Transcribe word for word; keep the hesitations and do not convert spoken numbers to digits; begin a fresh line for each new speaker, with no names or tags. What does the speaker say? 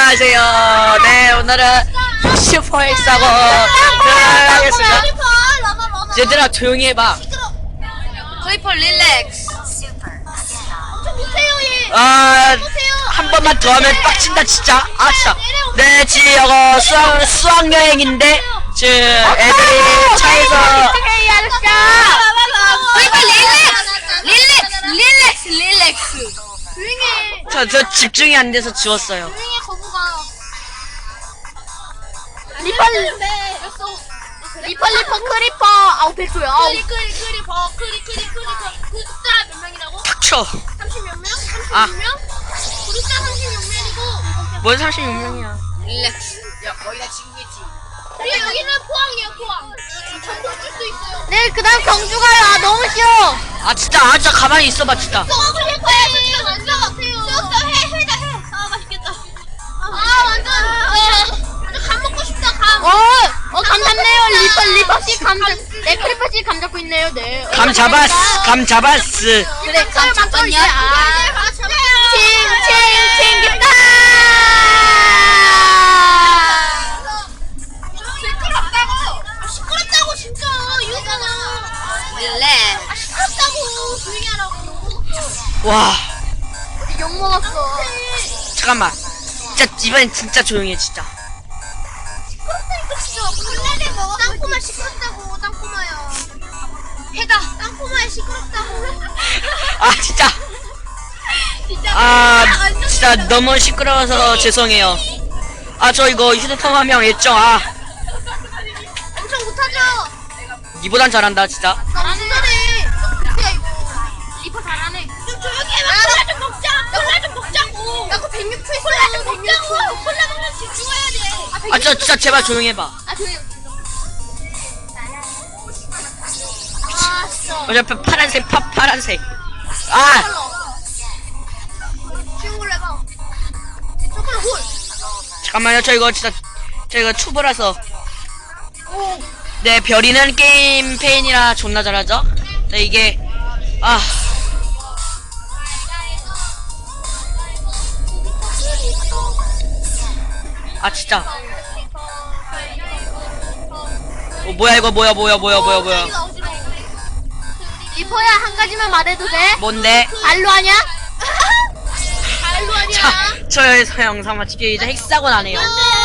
안녕하세요. 네, 오늘은 슈퍼 엑사고 하겠습니다. 얘들아 조용히 해봐.
크리퍼 릴렉스.
아, 한 번만 더 하면 빡친다 진짜. 아 진짜. 네, 지금 이거 수학 수학 여행인데 지금 애들이 차에서
크리퍼 릴렉스. 릴렉스. 릴렉스. 릴렉스. 조용히.
저, 저 집중이 안 돼서 지웠어요.
조용히 거부가.
리펄 리펄 리펄 크리퍼 아우 백조야 아우
크리 크리 크리퍼 크리 크리 크리퍼 구독자 몇 명이라고?
닥쳐.
삼십 몇 명?
아.
삼십육 명? 구독자 삼십육 명이고.
뭔 삼십육 명이야.
릴렉스. 야 거기다 친구겠지. 우리 여기는 포항이에요 포항. 전국 줄수 있어요.
네 그다음 경주 가요 아 너무 싫어
아 진짜 아 진짜 가만히 있어봐 진짜.
크리퍼야 진짜 완전 같아요. 쏙쏙 해 해다 해. 아 맛있겠다. 아 완전 어 완전 감 먹고 싶다 감.
어어 감 잡네요 리펄 리펄씨 감네 크리퍼씨 감 잡고 있네요 네
감 잡았어. 감 잡았어.
그래 감 잡았냐 아 칭칭칭 깊다
시끄럽다고. 아, 시끄럽다고 진짜 이거잖아. 릴렉스. 아 시끄럽다고 조용히 하라고.
와
욕 먹었어
잠깐만. 진짜 이번엔 진짜 조용해 진짜.
시끄럽다니까 진짜. 콜라를 먹어. 땅콩아 시끄럽다고 땅콩아야. 해다. 땅콩아 시끄럽다고.
아 진짜.
진짜.
아 진짜 너무 시끄러워서 죄송해요. 아 저 이거 휴대폰 화면 예정. 아
엄청 못하죠.
니보단 잘한다 진짜.
너무 잘해. 야 이거.
리퍼 잘하네
좀 조용히 해봐. 콜라 좀 먹자. 콜라 좀 먹자고. 나 그거 백육 초 있어. 콜라 좀 먹자고. 콜라 먹으면 집중해야 돼.
아 진짜 진짜 제발 조용히 해봐.
아 조용히
아 진짜.
어차피 파란색 파 파란색. 아
지금 해봐. 초콜릿 홀.
잠깐만요. 저 이거 진짜 저 이거 초보라서.
오.
네, 별이는 게임 페인이라 존나 잘하죠. 네, 이게 아 아 진짜. 어 뭐야 이거 뭐야 뭐야 뭐야 뭐야 뭐야.
리퍼야 한 가지만 말해도 돼?
뭔데?
발로 하냐?
발로 아니야.
자, 저의 영상 마치기 이제 핵사고 나네요.
안돼